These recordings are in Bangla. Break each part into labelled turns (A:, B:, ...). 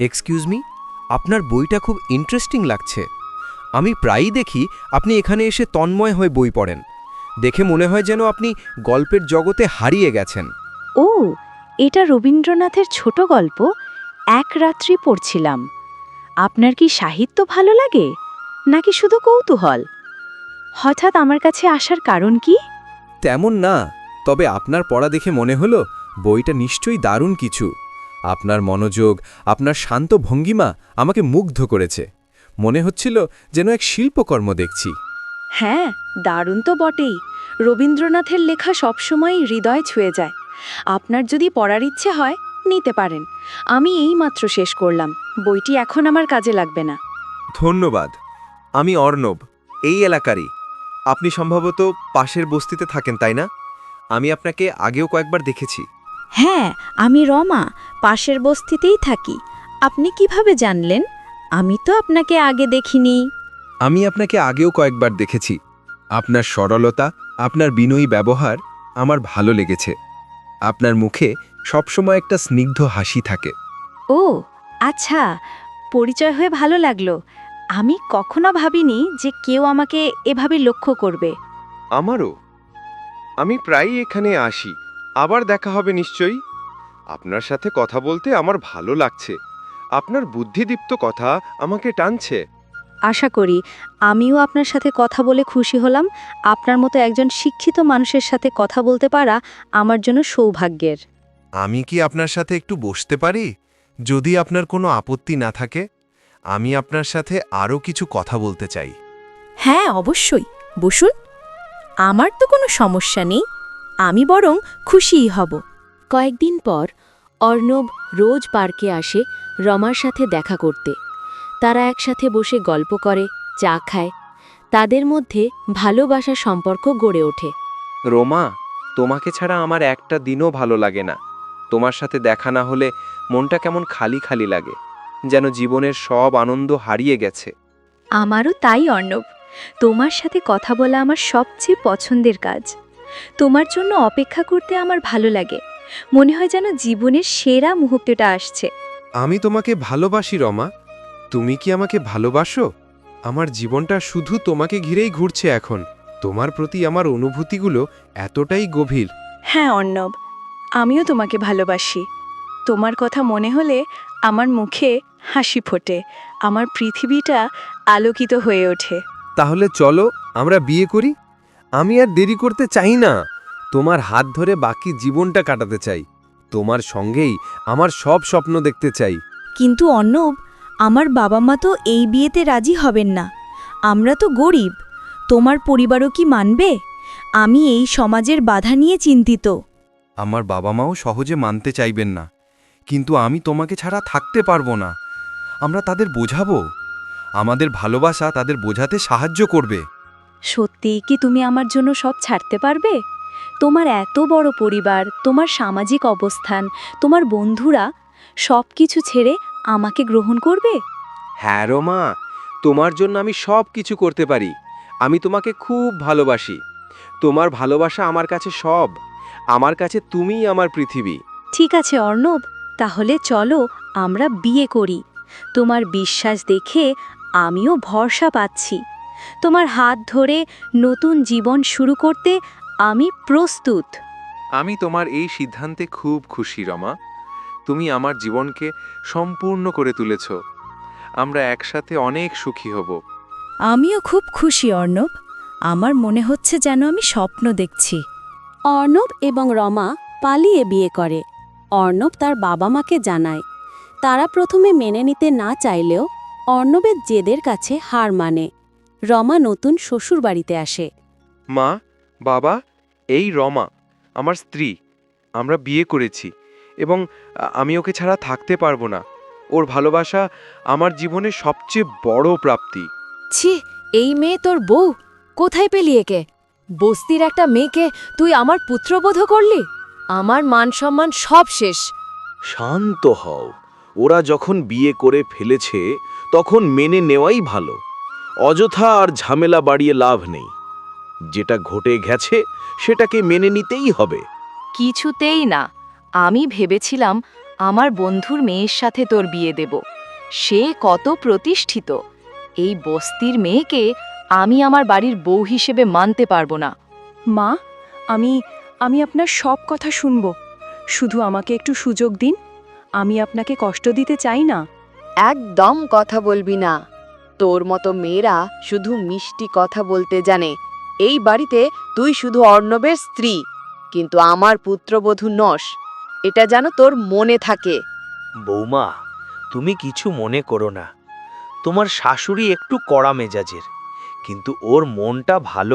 A: এক্সকিউজ মি, আপনার বইটা খুব ইন্টারেস্টিং লাগছে। আমি প্রায়ই দেখি আপনি এখানে এসে তন্ময় হয়ে বই পড়েন। দেখে মনে হয় যেন আপনি গল্পের জগতে হারিয়ে গেছেন।
B: ও, এটা রবীন্দ্রনাথের ছোট গল্প এক রাত্রি পড়ছিলাম। আপনার কি সাহিত্য ভালো লাগে নাকি শুধু কৌতূহল? হঠাৎ আমার কাছে আসার কারণ কি?
A: তেমন না, তবে আপনার পড়া দেখে মনে হলো বইটা নিশ্চয়ই দারুণ কিছু। আপনার মনোযোগ, আপনার শান্ত ভঙ্গিমা আমাকে মুগ্ধ করেছে। মনে হচ্ছিল যেন এক শিল্পকর্ম দেখছি।
B: হ্যাঁ, দারুণ তো বটেই। রবীন্দ্রনাথের লেখা সবসময়ই হৃদয় ছুঁয়ে যায়। আপনার যদি পড়ার ইচ্ছে হয় নিতে পারেন। আমি এইমাত্র শেষ করলাম। বইটি এখন আমার কাজে লাগবে না।
C: ধন্যবাদ। আমি অর্ণব, এই এলাকারই। আপনি সম্ভবত পাশের বস্তিতে থাকেন, তাই না? আমি আপনাকে আগেও কয়েকবার দেখেছি।
B: হ্যাঁ, আমি রমা, পাশের বস্তিতেই থাকি। আপনি কিভাবে জানলেন? আমি তো আপনাকে আগে দেখিনি।
C: আমি আপনাকে আগেও কয়েকবার দেখেছি। আপনার সরলতা, আপনার বিনয়ী ব্যবহার আমার ভালো লেগেছে। আপনার মুখে সবসময় একটা স্নিগ্ধ হাসি থাকে।
B: ও আচ্ছা, পরিচয় হয়ে ভালো লাগলো। আমি কখনো ভাবিনি যে কেউ আমাকে এভাবে লক্ষ্য করবে।
D: আমারও। আমি প্রায়ই এখানে আসি। আবার দেখা হবে নিশ্চয়ই। আপনার সাথে কথা বলতে আমার ভালো লাগছে। আপনার বুদ্ধিদীপ্ত কথা আমাকে টানছে।
B: আশা করি আমিও আপনার সাথে কথা বলে খুশি হলাম। আপনার মতো একজন শিক্ষিত মানুষের সাথে কথা বলতে পারা আমার জন্য সৌভাগ্যের।
C: আমি কি আপনার সাথে একটু বসতে পারি, যদি আপনার কোনো আপত্তি না থাকে? আমি আপনার সাথে আরও কিছু কথা বলতে চাই।
E: হ্যাঁ, অবশ্যই বসুন। আমার তো কোনো সমস্যা নেই, আমি বরং খুশিই হব। কয়েকদিন পর অর্ণব রোজ পার্কে আসে রমার সাথে দেখা করতে। তারা একসাথে বসে গল্প করে, চা খায়। তাদের মধ্যে ভালোবাসার সম্পর্ক গড়ে ওঠে।
D: রোমা, তোমাকে ছাড়া আমার একটা দিনও ভালো লাগে না। তোমার সাথে দেখা না হলে মনটা কেমন খালি খালি লাগে, যেন জীবনের সব আনন্দ হারিয়ে গেছে।
B: আমারও তাই অর্ণব। তোমার সাথে কথা বলা আমার সবচেয়ে পছন্দের কাজ। তোমার জন্য অপেক্ষা করতে আমার ভালো লাগে। মনে হয় যেন জীবনের সেরা মুহূর্তটা আসছে।
C: আমি তোমাকে ভালোবাসি রমা। তুমি কি আমাকে ভালোবাসো? আমার জীবনটা শুধু তোমাকে ঘিরেই ঘুরছে এখন। তোমার প্রতি আমার অনুভূতিগুলো এতটাই গভীর।
B: হ্যাঁ অর্ণব, আমিও তোমাকে ভালোবাসি। তোমার কথা মনে হলে আমার মুখে হাসি ফোটে। আমার পৃথিবীটা আলোকিত হয়ে ওঠে।
C: তাহলে চলো আমরা বিয়ে করি। আমি আর দেরি করতে চাই না। তোমার হাত ধরে বাকি জীবনটা কাটাতে চাই। তোমার সঙ্গেই আমার সব স্বপ্ন দেখতে চাই।
E: কিন্তু অর্ণব, আমার বাবা মা তো এই বিয়েতে রাজি হবেন না। আমরা তো গরিব। তোমার পরিবারও কি মানবে? আমি এই সমাজের বাধা নিয়ে চিন্তিত।
C: আমার বাবা মাও সহজে মানতে চাইবেন না, কিন্তু আমি তোমাকে ছাড়া থাকতে পারবো না। আমরা তাদের বোঝাবো। আমাদের ভালোবাসা তাদের বোঝাতে সাহায্য করবে।
B: সত্যি কি তুমি আমার জন্য সব ছাড়তে পারবে? তোমার এত বড় পরিবার, তোমার সামাজিক অবস্থান, তোমার বন্ধুরা সব কিছু ছেড়ে আমাকে গ্রহণ করবে?
D: হ্যাঁ রোমা, তোমার জন্য আমি সব কিছু করতে পারি। আমি তোমাকে খুব ভালোবাসি। তোমার ভালোবাসা আমার কাছে সব। আমার কাছে তুমিই আমার পৃথিবী।
B: ঠিক আছে অর্ণব, তাহলে চলো আমরা বিয়ে করি। তোমার বিশ্বাস দেখে আমিও ভরসা পাচ্ছি। তোমার হাত ধরে নতুন জীবন শুরু করতে আমি প্রস্তুত।
D: আমি তোমার এই সিদ্ধান্তে খুব খুশি রমা। তুমি আমার জীবনকে সম্পূর্ণ করে তুলেছ। আমরা একসাথে অনেক সুখী হব।
E: আমিও খুব খুশি অর্ণব। আমার মনে হচ্ছে যেন আমি স্বপ্ন দেখছি।
F: অর্ণব এবং রমা পালিয়ে বিয়ে করে। অর্ণব তার বাবা মাকে জানায়। তারা প্রথমে মেনে নিতে না চাইলেও অর্ণবের জেদের কাছে হার মানে। রমা নতুন শ্বশুরবাড়িতে আসে।
D: মা, বাবা, এই রমা আমার স্ত্রী। আমরা বিয়ে করেছি এবং আমি ওকে ছাড়া থাকতে পারবো না। ওর ভালোবাসা আমার জীবনের সবচেয়ে বড় প্রাপ্তি।
E: ছি, এই মেয়ে তোর বউ? কোথায় পেলি একে? বস্তির একটা মেয়েকে তুই আমার পুত্রবধ করলি? আমার মান সম্মান সব শেষ।
G: শান্ত হও। ওরা যখন বিয়ে করে ফেলেছে তখন মেনে নেওয়াই ভালো। অযথা আর ঝামেলা বাড়িয়ে লাভ নেই। যেটা ঘটে গেছে সেটাকে মেনে নিতেই হবে।
H: কিছুতেই না। আমি ভেবেছিলাম
E: আমার বন্ধুর মেয়ের সাথে তোর বিয়ে দেব। সে কত প্রতিষ্ঠিত। এই বস্তির মেয়েকে আমি আমার বাড়ির বউ হিসেবে মানতে পারবো না।
B: মা, আমি আমি আপনার সব কথা শুনব। শুধু আমাকে একটু সুযোগ দিন। আমি আপনাকে কষ্ট দিতে চাই না।
H: একদম কথা বলবি না। তোর মতো মেয়েরা শুধু মিষ্টি কথা বলতে জানে। এই বাড়িতে তুই শুধু অর্ণবের স্ত্রী, কিন্তু আমার পুত্রবধূ নস। এটা যেন তোর মনে থাকে।
I: বৌমা, তুমি কিছু মনে করো না। তোমার শাশুড়ি একটু কড়া মেজাজের, কিন্তু ওর মনটা ভালো।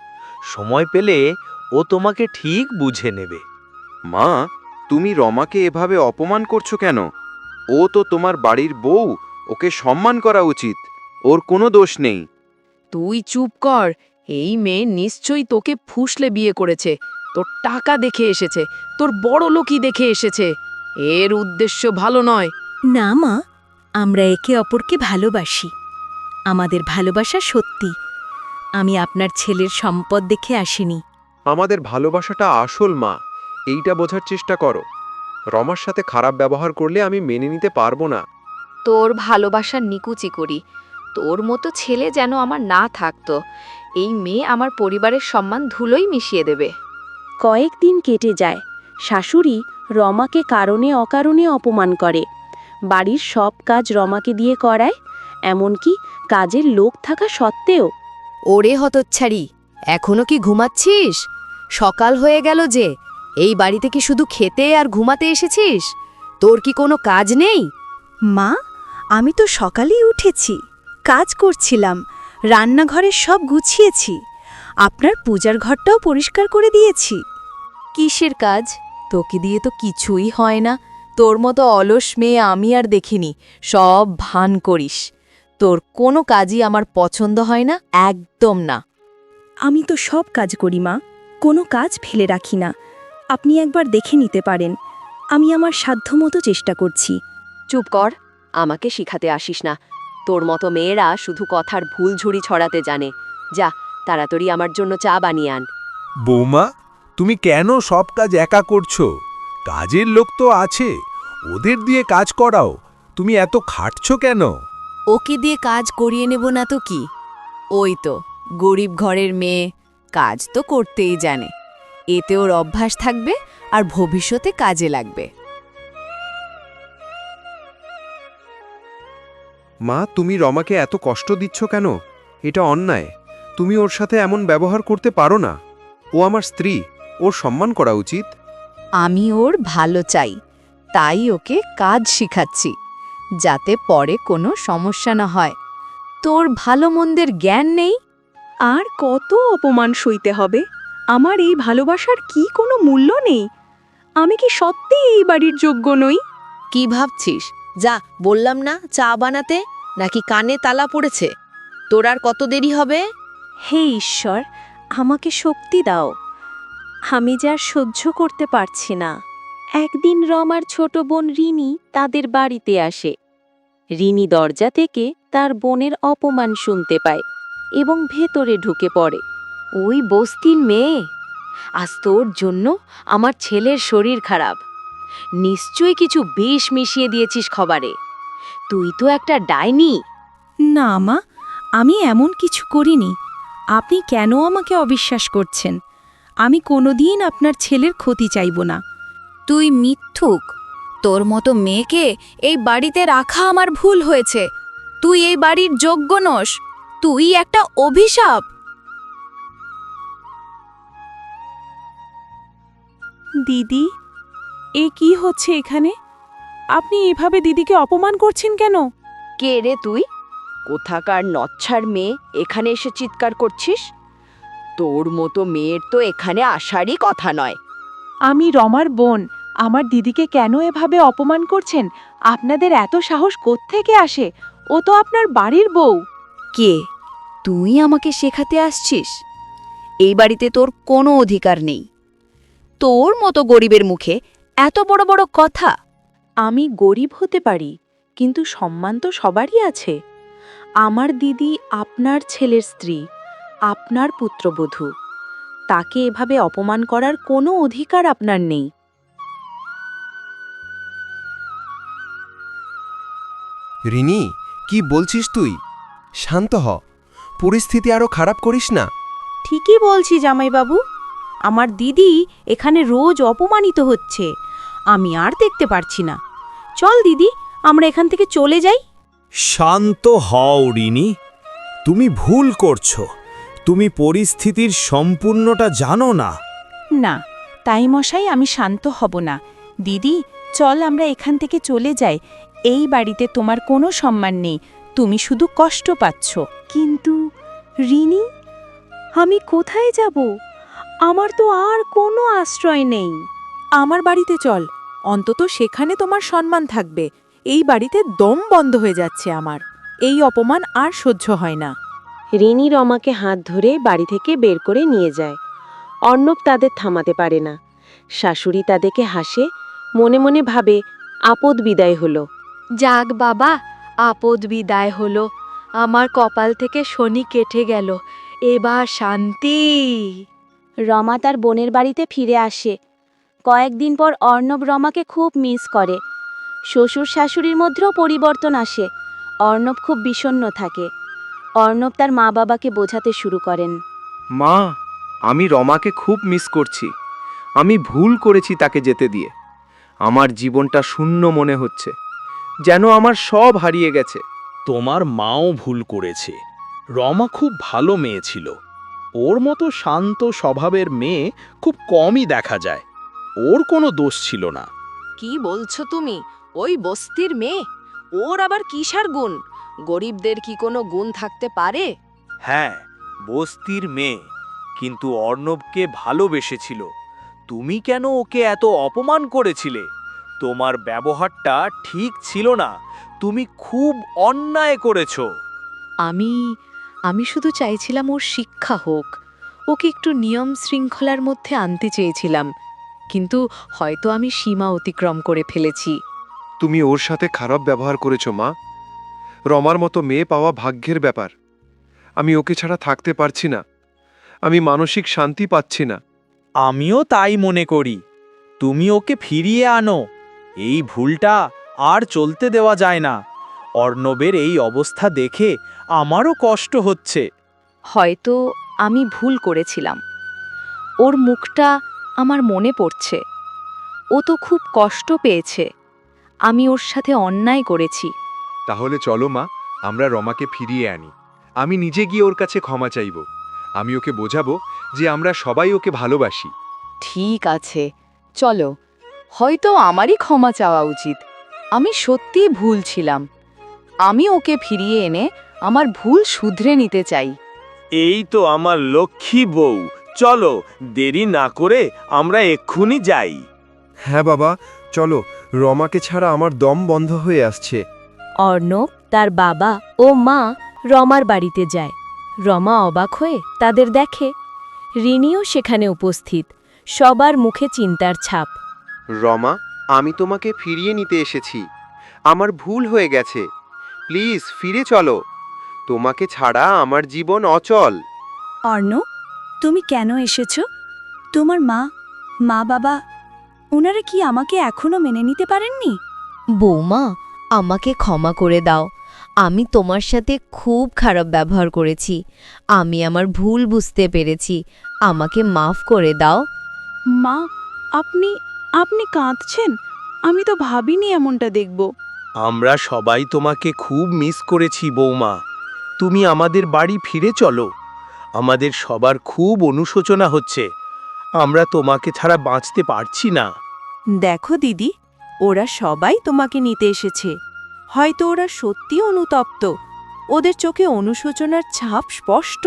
I: সময় পেলে ও তোমাকে ঠিক বুঝে নেবে।
D: মা, তুমি রমাকে এভাবে অপমান করছো কেন? ও তো তোমার বাড়ির বউ, ওকে সম্মান করা উচিত। ওর কোনো দোষ নেই।
H: তুই চুপ কর। এই মেয়ে নিশ্চয়ই তোকে ফুসলে বিয়ে করেছে। তোর টাকা দেখে এসেছে, তোর বড় লোকই দেখে এসেছে। এর উদ্দেশ্য ভালো নয়।
E: না মা, আমরা একে অপরকে ভালোবাসি। আমাদের ভালোবাসা সত্যি। আমি আপনার ছেলের সম্পদ দেখে আসিনি।
C: আমাদের ভালোবাসাটা আসল, মা। এইটা বোঝার চেষ্টা করো। রমার সাথে খারাপ ব্যবহার করলে আমি মেনে নিতে পারবো না।
H: তোর ভালোবাসার নিকুচি করি। তোর মতো ছেলে যেন আমার না থাকতো। এই মেয়ে আমার পরিবারের সম্মান ধুলোই মিশিয়ে দেবে।
F: কয়েকদিন কেটে যায়। শাশুড়ি রমাকে কারণে অকারণে অপমান করে। বাড়ির সব কাজ রমাকে দিয়ে করায়, এমনকি কাজের লোক থাকা সত্ত্বেও।
H: ওরে হতচ্ছাড়ি, এখনো কি ঘুমাচ্ছিস? সকাল হয়ে গেল যে। এই বাড়িতে কি শুধু খেতে আর ঘুমাতে এসেছিস? তোর কি কোনো কাজ নেই?
B: মা, আমি তো সকালেই উঠেছি, কাজ করছিলাম, রান্নাঘরের সব গুছিয়েছি, আপনার পূজার ঘরটাও পরিষ্কার করে দিয়েছি।
E: কিসের কাজ? তোকে দিয়ে তো কিছুই হয় না। তোর মতো অলস মেয়ে আমি আর দেখিনি। সব ভান করিস। তোর কোনো কাজই আমার পছন্দ হয় না, একদম না।
B: আমি তো সব কাজ করি মা, কোনো কাজ ফেলে রাখি না। আপনি একবার দেখে নিতে পারেন। আমি আমার সাধ্যমতো চেষ্টা করছি।
H: চুপ কর, আমাকে শিখাতে আসিস না। তোর মতো মেয়েরা শুধু কথার ভুল ঝুড়ি ছড়াতে জানে। যা, তাড়াতাড়ি আমার জন্য চা বানিয়ে আন।
J: বৌমা, তুমি কেন সব কাজ একা করছো? কাজের লোক তো আছে, ওদের দিয়ে কাজ করাও। তুমি এত খাটছো কেন?
E: ওকে দিয়ে কাজ করিয়ে নেব না তো কি? ওই তো গরিব ঘরের মেয়ে, কাজ তো করতেই জানে। এতে ওর অভ্যাস থাকবে আর ভবিষ্যতে কাজে লাগবে।
C: মা, তুমি রমাকে এত কষ্ট দিচ্ছ কেন? এটা অন্যায়। তুমি ওর সাথে এমন ব্যবহার করতে পারো না। ও আমার স্ত্রী, ওর সম্মান করা উচিত।
E: আমি ওর ভালো চাই, তাই ওকে কাজ শিখাচ্ছি, যাতে পরে কোনো সমস্যা না হয়। তোর ভালো মন্দের জ্ঞান নেই?
B: আর কত অপমান সইতে হবে? আমার এই ভালোবাসার কি কোনো মূল্য নেই? আমি কি সত্যিই এই বাড়ির যোগ্য নই?
H: কি ভাবছিস? যা, বললাম না চা বানাতে। নাকি কানে তালা পড়েছে? তোর আর কত দেরি হবে?
B: হে ঈশ্বর, আমাকে শক্তি দাও। আমি যা সহ্য করতে পারছি না। একদিন রমার ছোট বোন রিনি তাদের বাড়িতে আসে। রিনি দরজা থেকে তার বোনের অপমান শুনতে পায় এবং ভেতরে ঢুকে পড়ে।
H: ওই বস্তির মেয়ে, আজ তোর জন্য আমার ছেলের শরীর খারাপ। নিশ্চয়ই কিছু বিষ মিশিয়ে দিয়েছিস খাবারে। তুই তো একটা ডাইনি।
B: না মা, আমি এমন কিছু করিনি। আপনি কেন আমাকে অবিশ্বাস করছেন? আমি কোনোদিন আপনার ছেলের ক্ষতি চাইব না।
E: তুই মিথ্যুক। তোর মতো মেয়েকে এই বাড়িতে রাখা আমার ভুল হয়েছে। তুই এই বাড়ির যোগ্য নস। তুই একটা অভিশাপ।
K: দিদি, এ কি হচ্ছে এখানে? আপনি এভাবে দিদিকে অপমান করছেন কেন?
H: কে রে তুই? কোথাকার নচ্ছার মেয়ে এখানে এসে চিৎকার করছিস? তোর মতো মেয়ের তো এখানে আসারই কথা নয়।
K: আমি রমার বোন। আমার দিদিকে কেন এভাবে অপমান করছেন? আপনাদের এত সাহস কোত্থেকে আসে? ও তো আপনার বাড়ির বউ।
E: কে? তুই আমাকে শেখাতে আসছিস? এই বাড়িতে তোর কোনো অধিকার নেই। তোর মতো গরিবের মুখে এত বড় বড় কথা।
B: আমি গরিব হতে পারি, কিন্তু সম্মান তো সবারই আছে। আমার দিদি আপনার ছেলের স্ত্রী, আপনার পুত্রবধূ। তাকে এভাবে অপমান করার কোনো অধিকার আপনার নেই।
C: রিনি, কি বলছিস তুই? শান্ত হ, পরিস্থিতি আরো খারাপ করিস না।
E: ঠিকই বলছি জামাইবাবু, আমার দিদি এখানে রোজ অপমানিত হচ্ছে, আমি আর দেখতে পারছি না। চল দিদি, আমরা এখান থেকে চলে যাই।
J: শান্ত হও রিনি, তুমি ভুল করছো। তুমি পরিস্থিতির সম্পূর্ণটা জানো না।
K: না, তাই মশাই, আমি শান্ত হব না। দিদি, চল আমরা এখান থেকে চলে যাই। এই বাড়িতে তোমার কোনো সম্মান নেই, তুমি শুধু কষ্ট পাচ্ছ।
B: কিন্তু রিনি, আমি কোথায় যাব? আমার তো আর কোনো আশ্রয় নেই।
K: আমার বাড়িতে চল, অন্তত সেখানে তোমার সম্মান থাকবে। এই বাড়িতে দম বন্ধ হয়ে যাচ্ছে আমার, এই অপমান আর সহ্য হয় না।
F: রিনি রমাকে হাত ধরে বাড়ি থেকে বের করে নিয়ে যায়। অর্ণব তাদের থামাতে পারে না। শাশুড়ি তাদেরকে হাসে, মনে মনে ভাবে আপদ বিদায় হলো।
B: যাক বাবা, আপদ বিদায় হলো, আমার কপাল থেকে শনি কেটে গেল, এবার শান্তি।
F: রমা তার বোনের বাড়িতে ফিরে আসে। কয়েকদিন পর অর্ণব রমাকে খুব মিস করে। শ্বশুর শাশুড়ির মধ্যেও পরিবর্তন আসে। অর্ণব খুব বিষণ্ণ থাকে। অর্ণব তার মা বাবাকে বোঝাতে শুরু করেন।
D: মা, আমি রমাকে খুব মিস করছি। আমি ভুল করেছি তাকে যেতে দিয়ে। আমার জীবনটা শূন্য মনে হচ্ছে, যেন আমার সব হারিয়ে গেছে।
J: তোমার মাও ভুল করেছে। রমা খুব ভালো মেয়ে ছিল। ওর মতো শান্ত স্বভাবের মেয়ে খুব কমই দেখা যায়। ওর কোনো দোষ ছিল না।
H: কি বলছো তুমি? ওই বস্তির মেয়ে, ওর আবার কিসার গুণ? গরিবদের কি কোনো গুণ থাকতে পারে?
I: হ্যাঁ, বস্তির মেয়ে, কিন্তু অর্ণবকে ভালোবেসেছিল। তুমি কেন ওকে এত অপমান করেছিলে? তোমার ব্যবহারটা ঠিক ছিল না। তুমি খুব অন্যায় করেছো।
B: আমি শুধু চাইছিলাম ওর শিক্ষা হোক, ওকে একটু নিয়ম শৃঙ্খলার মধ্যে আনতে চেয়েছিলাম, কিন্তু হয়তো আমি সীমা অতিক্রম করে ফেলেছি।
C: তুমি ওর সাথে খারাপ ব্যবহার করেছো মা। রমার মতো মেয়ে পাওয়া ভাগ্যের ব্যাপার। আমি ওকে ছাড়া থাকতে পারছি না। আমি মানসিক শান্তি পাচ্ছি না।
I: আমিও তাই মনে করি। তুমি ওকে ফিরিয়ে আনো। এই ভুলটা আর চলতে দেওয়া যায় না। অর্ণবের এই অবস্থা দেখে আমারও কষ্ট হচ্ছে।
B: হয়তো আমি ভুল করেছিলাম। ওর মুখটা আমার মনে পড়ছে। ও তো খুব কষ্ট পেয়েছে। আমি ওর সাথে অন্যায় করেছি।
C: তাহলে চলো মা, আমরা রমাকে ফিরিয়ে আনি। আমি নিজে গিয়ে ওর কাছে ক্ষমা চাইব। আমি ওকে বোঝাবো যে আমরা সবাই ওকে ভালোবাসি।
H: ঠিক আছে, চলো। হয়তো আমারই ক্ষমা চাওয়া উচিত। আমি সত্যিই ভুল ছিলাম। আমি ওকে ফিরিয়ে এনে আমার ভুল শুধরে নিতে চাই।
I: এই তো আমার লক্ষ্মী বউ। চলো, দেরি না করে আমরা এক্ষুনি যাই।
C: হ্যাঁ বাবা, চলো। রমাকে ছাড়া আমার দম বন্ধ হয়ে আসছে।
E: অর্ণব, তার বাবা ও মা রমার বাড়িতে যায়। রমা অবাক হয়ে তাদের দেখে। রিনিও সেখানে উপস্থিত, সবার মুখে চিন্তার ছাপ।
D: রমা, আমি তোমাকে ফিরিয়ে নিতে এসেছি। আমার ভুল হয়ে গেছে। প্লিজ ফিরে চলো। তোমাকে ছাড়া আমার জীবন অচল।
B: অর্ণব, তুমি কেন এসেছো? তোমার মা বাবা, ওনারা কি আমাকে এখনো মেনে নিতে পারেননি?
E: বৌমা, আমাকে ক্ষমা করে দাও। আমি তোমার সাথে খুব খারাপ ব্যবহার করেছি। আমি আমার ভুল বুঝতে পেরেছি। আমাকে মাফ করে দাও।
K: মা, আপনি কাঁদছেন? আমি তো ভাবিনি এমনটা দেখব।
I: আমরা সবাই তোমাকে খুব মিস করেছি বৌমা। তুমি আমাদের বাড়ি ফিরে চলো। আমাদের সবার খুব অনুশোচনা হচ্ছে। আমরা তোমাকে ছাড়া বাঁচতে পারছি না।
K: দেখো দিদি, ওরা সবাই তোমাকে নিতে এসেছে। হয়তো ওরা সত্যি অনুতপ্ত। ওদের চোখে অনুশোচনার ছাপ স্পষ্ট।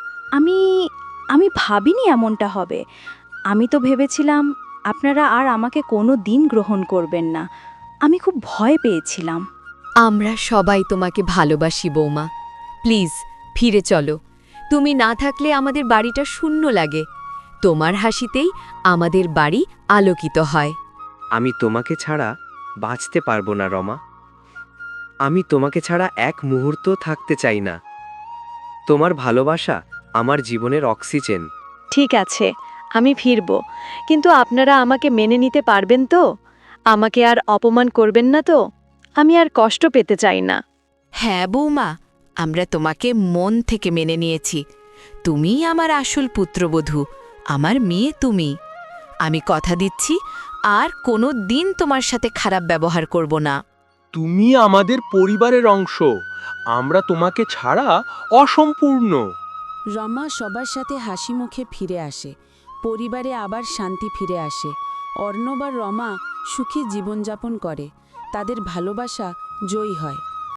B: আমি ভাবিনি এমনটা হবে। আমি তো ভেবেছিলাম আপনারা আর আমাকে কোনো দিন গ্রহণ করবেন না। আমি খুব ভয় পেয়েছিলাম।
E: আমরা সবাই তোমাকে ভালোবাসি বৌমা। প্লিজ ফিরে চলো। তুমি না থাকলে আমাদের বাড়িটা শূন্য লাগে। তোমার হাসিতেই আমাদের বাড়ি আলোকিত হয়।
D: আমি তোমাকে ছাড়া বাঁচতে পারবো না রমা। আমি তোমাকে ছাড়া এক মুহূর্ত থাকতে চাই না। তোমার ভালোবাসা আমার জীবনের অক্সিজেন।
B: ঠিক আছে, আমি ফিরব, কিন্তু আপনারা আমাকে মেনে নিতে পারবেন তো? আমাকে আর অপমান করবেন না তো? আমি আর কষ্ট পেতে চাই না।
L: হ্যাঁ বৌমা, আমরা তোমাকে মন থেকে মেনে নিয়েছি। তুমিই আমার আসল পুত্রবধূ, আমার মেয়ে তুমি। আমি কথা দিচ্ছি আর কোনো দিন তোমার সাথে খারাপ ব্যবহার করব না।
J: তুমি আমাদের পরিবারের অংশ, আমরা তোমাকে ছাড়া অসম্পূর্ণ।
F: রমা সবার সাথে হাসি মুখে ফিরে আসে, পরিবারে আবার শান্তি ফিরে আসে। অর্ণব আর রমা সুখী জীবনযাপন করে, তাদের ভালোবাসা জয়ী হয়।